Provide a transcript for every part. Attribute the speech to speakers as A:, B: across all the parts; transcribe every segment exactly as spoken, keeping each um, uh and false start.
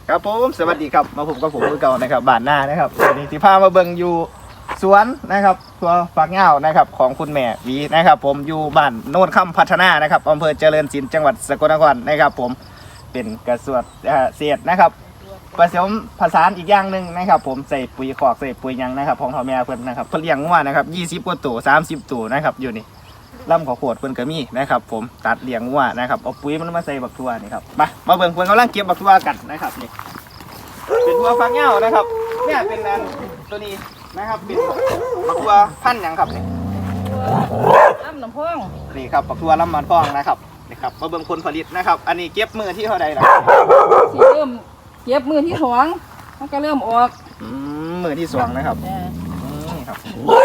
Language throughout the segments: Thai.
A: ครับผมสวัสดีครับมาผมกับผมมือเก่านะครับบ้านหน้านะครับวันนี้ที่พามาเบิ่งอยู่สวนนะครับตัวฝักเหง้านะครับของคุณแม่วีนะครับผมอยู่บ้านโนนค่ำพัฒนานะครับอำเภอเจริญศิลป์จังหวัดสกลนครนะครับผมเป็นกระสวดเศษนะครับผสมผสานอีกอย่างหนึ่งนะครับผมใส่ปุ๋ยขอกใส่ปุ๋ยยังนะครับของพ่อแม่เพิ่นนะครับเพิ่นเลี้ยงงัวนะครับยี่สิบกว่าตัวสามสิบตัวนะครับอยู่นี่ลำขอโขดเพิ่นก็มีนะครับผมตัดเลี้ยงงัวนะครับเอาปุ๋ยมันมาใส่บักทั่วนี่ครับมามาเบิ่งเพิ่นกำลังเก็บบักทั่วกันนะครับนี่เป็นทั่วฝักเหง้านะครับเนี่ยเป็นอันตัวนี้นะครับเป็นบักทั่วพันธุ์หยังครับนี่
B: ลำน้ำพอง
A: นี่ครับบักทั่วลำมันพองนะครับนี่ครับมาเบิ่งผลผลิตนะครับอันนี้เก็บมือที่เท่าใดล่ะ
B: สีเริ่มเก็บมือที่สองมันก็เริ่มออก
A: อืมมือที่สองนะครับนี่ครับ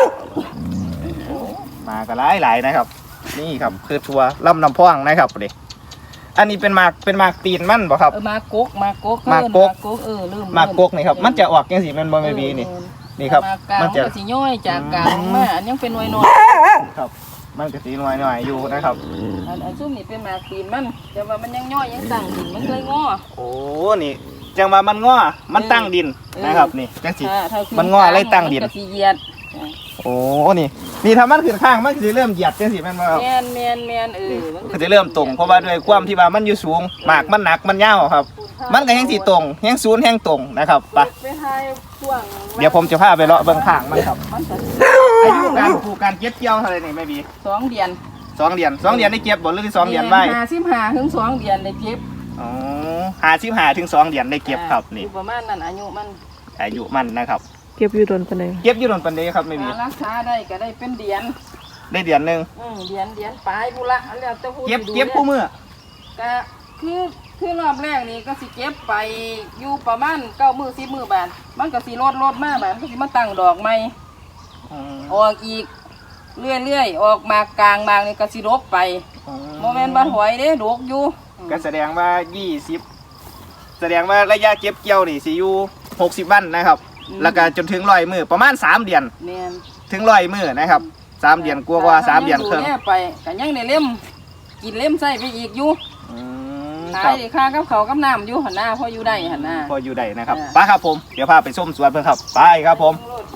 A: มาก็หลายหลายนะครับนี่ครับคือทั่วลำน้ำพองนะครับเด็กอันนี้เป็นหมากเป็นหมากตีนมันบ่ครับ
B: เออมากกมากก
A: มากก
B: เออเริ่ม
A: มากกนี่ครับมันจะออกยังสีมันบ่ไม่มีนี่นี่ครับ
B: มันจะสีย่อยจากกลางมาอันยังเป็นหน่วยหน่อย
A: ครับมันก็สีหน่อยหน่อยอยู่นะครับ
B: อันอันซุ่มนี่เป็นหมากตีนมันแต่ว่ามันยังย่อยยังตั้งดินมันเลยงอ
A: โอ้นี่จังว่ามันงอมันตั้งดินนะครับนี่จังสีมันงออะไรตั้งดิน
B: สีเหยียด
A: โอ้นี่นี่ถ้ามันขึ้นข้างมันจะเริ่มเหยียดจังสีแม่นบ่ครับ
B: แมนแมนแมนเออ
A: มันจะเริ่มตรงเพราะว่าด้วยความที่ว่ามันอยู่สูงหมากมันหนักมันยาวครับมันก็แห้งสีตรงแห้งศูนย์แห้งตรงนะครับไปเดี๋ยวผมจะพาไปเลาะเบื้องข้างมันครับอายุการปลูกการเก็บเกี่ยวเท่าไรนี่ไม่มี
B: สองเดือน
A: สองเดือนสองเดือนได้เก็บบ่หรือสองเดือนไว้
B: ห้าสิบห้าถึงสองเดือนได้เก็บ
A: อ๋อห้าสิบห้าถึงสองเดือนได้เก็บครับนี่
B: ประมาณนั้นอายุมัน
A: อายุมันนะครับ
C: เก็บอยู่โดนปานใด
A: เก็บอยู่โดนปานใดครับไม่มี
B: รักษาได้ก็ได้เป็นเดือน
A: ได้เดือนนึง
B: อืมเดือนเดือนปลายบุละแล้วแต่ผู้
A: เก็บเก็บผู้มื้อ
B: ก็คือคือรอบแรกนี่ก็สิเก็บไปอยู่ประมาณเก้ามื้อสิบมื้อบาทมันก็สิลดลดมาบาทมันก็สิมาตั้งดอกใหม่ออกอีกเรื่อยๆออกมากลางมากนี่ก็สิรบไปโมเมนต์บ้านหอยเด้ดกอยู่
A: ก็แสดงว่ายี่สิบแสดงว่าระยะเก็บเกี่ยวนี่สิอยู่หกสิบวันนะครับแล้วก็จนถึงร้อยมื้อประมาณสามเดือนถึงร้อยมื้อนะครับสามเดือนกลัวว่าสามเดือนครึ่ง
B: ไปก็ยังได้เล่มกินเล่มใส่ไปอีกอยู่ขายได้ค่ากับเขากับน้ำอยู่หันหน้าพออยู่ได้หันหน้า
A: พออยู่ได้นะครับไปครับผมเดี๋ยวพาไปส้มสวนเพื่อนครับไปครับผม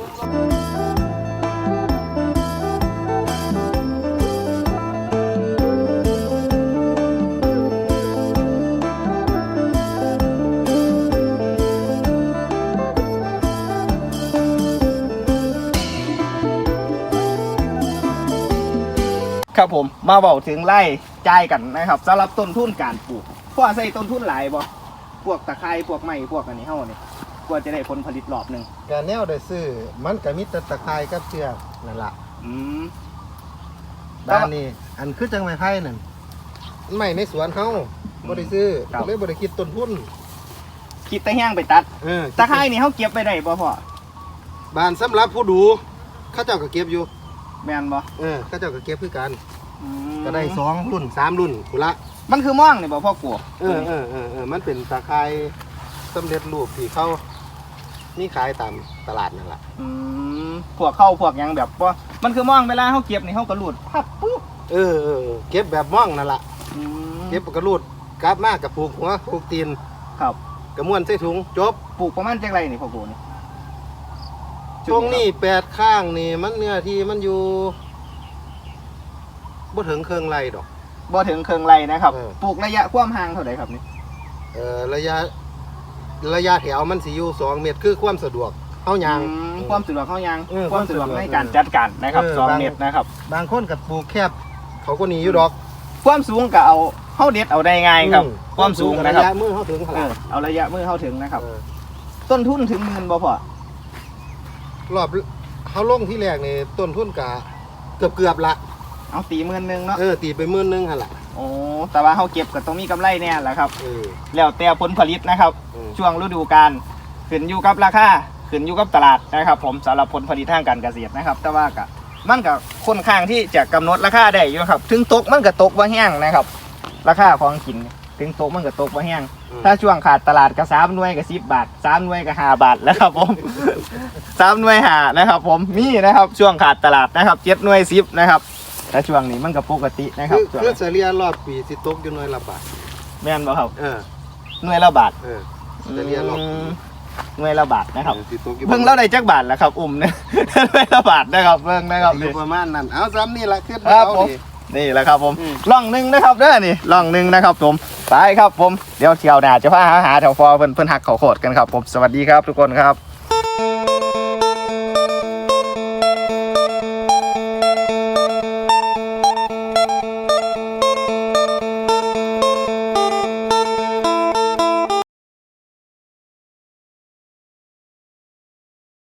A: ครับผมมาบอกถึงไร่จ่ายกันนะครับสำหรับต้นทุนการปลูกพวกใส่ต้นทุนหลายบ่พวกตะไคร้พวกไม้พวกอันนี้เฮานี่กว่าจะได้ผลผลิตรอบหนึ่ง
D: การแนวได้ซื้อมันก็มีแต่ตะไคร้กับเชือกนั่นล่ะ
A: อืม
D: ด้านนี้อันคือจังไม้ไผ่นั่นไม่ในสวนเฮาบ่ได้ซื้อเลยบ่ได้คิดต้นทุน
A: คิดแต่แห้งไปตัดเออตะไคร้นี่เฮาเก็บไปได้บ่พ่อ
D: บ้านสำหรับผู้ดูเขาเจ้าก็เก็บอยู่
A: แม่นบ่
D: เออเขาเจ้าก็เก็บคือกันก็ได้สองรุ่นสามรุ่นพุ่นละ
A: มันคือม่วงนี่บ่พ่อกู
D: เออเออเออเออมันเป็นตะไคร้สำเร็จรูปที่เขามีขายตามตลาดนั่นแหละ
A: อืมพวกเข้าพวกยังแบบว่ามันคือม่วงเวลาเขาเก็บนี่เขากระลูดพับปุ๊บ
D: เออเออเก็บแบบม่วงนั่นแหละเก็บกระลูดกลับมากกับปลูกหัวปลูกตีน
A: ครับ
D: กระม้วนใส่ถุงจบ
A: ปลูกประมาณจังไรนี่พ่อกูนี่
D: ตรงนี้แปดข้างนี่มันเนื้อที่มันอยู่บ่ถึงเครื่องไรดอก
A: บ่ถึงเครื่องไรนะครับปลูกระยะความห่างเท่าไหร่ครับนี่
D: เออระยะระยะแถวมันสิอยู่สองเมตรคือความสะดวกเข้ายาง
A: ความสะดวกเข้ายางความสะดวกในการจัดการนะครับสองเมตรนะครับ
D: บางคนกับปลูกแคบเขาก็หนีอยู่ดอก
A: ความสูงก็เอาเข้าเด็ดเอาได้ง่ายครับความสูงนะครับ
D: ระยะมือเข้าถึง
A: เอาระยะมือเข้าถึงนะครับต้นทุนถึงเงินบ่พอ
D: รอบเขาลงที่แรกนี่ต้นทุนกะเกือบเกือบละ
A: เอาตีหมื่นหนึ่งเนาะ
D: เออตีไปหมื่นหนึ่งฮะล่ะ
A: โอ้แต่ว่าเขาเก็บก็ต้องมีกำไรแน่แหละครับแล้วแต่ผลผลิตนะครับช่วงฤดูกาลขึ้นอยู่กับราคาขึ้นอยู่กับตลาดนะครับผมสำหรับผลผลิตทางการเกษตรนะครับแต่ว่าก็มันก็ค่อนข้างที่จะกำหนดราคาได้อยู่ครับถึงตกมันก็ตกว่าแห้งนะครับราคาของกินถึงตกมันก็ตกว่าแห้งถ้าช่วงขาดตลาดก็สามหน่วยก็สิบบาทสามหน่วยก็ห้าบาทแล้วครับผมสามหน่วยห้านะครับผมมีนะครับช่วงขาดตลาดนะครับเจ็ดหน่วยสิบนะครับแต่ช่วงนี้มันก็ปกตินะครับ
D: คือเฉลี่ยรอบปีสิตกอยู่หน่วยละบาท
A: แม่นบ่ครับ
D: เออ
A: หน่วยละบาท
D: เออจะเรียนหรอก
A: หน่วยละบาทนะครับ
D: สิตกอยู่
A: เบิ่งแล้วได้จักบาทแล้วครับอุ้มเนี่ย หน่วยละบาทนะครับเบิ่งนะครับ
D: อยู่ประมาณนั้นเอาซ้ำนี่ละขึ้น
A: ครับ
D: เอา
A: ผม
D: ดิ
A: นี่แหละครับผม
D: อืม
A: ล่องหนึ่งนะครับเด้อนี่ล่องหนึ่งนะครับผมไปครับผมเดี๋ยวเที่ยวหน้าจะพาหาหาแถวฟอเพิ่นเพิ่นหักเขาโคตรกันครับผมสวัสดีครับทุกคนครับ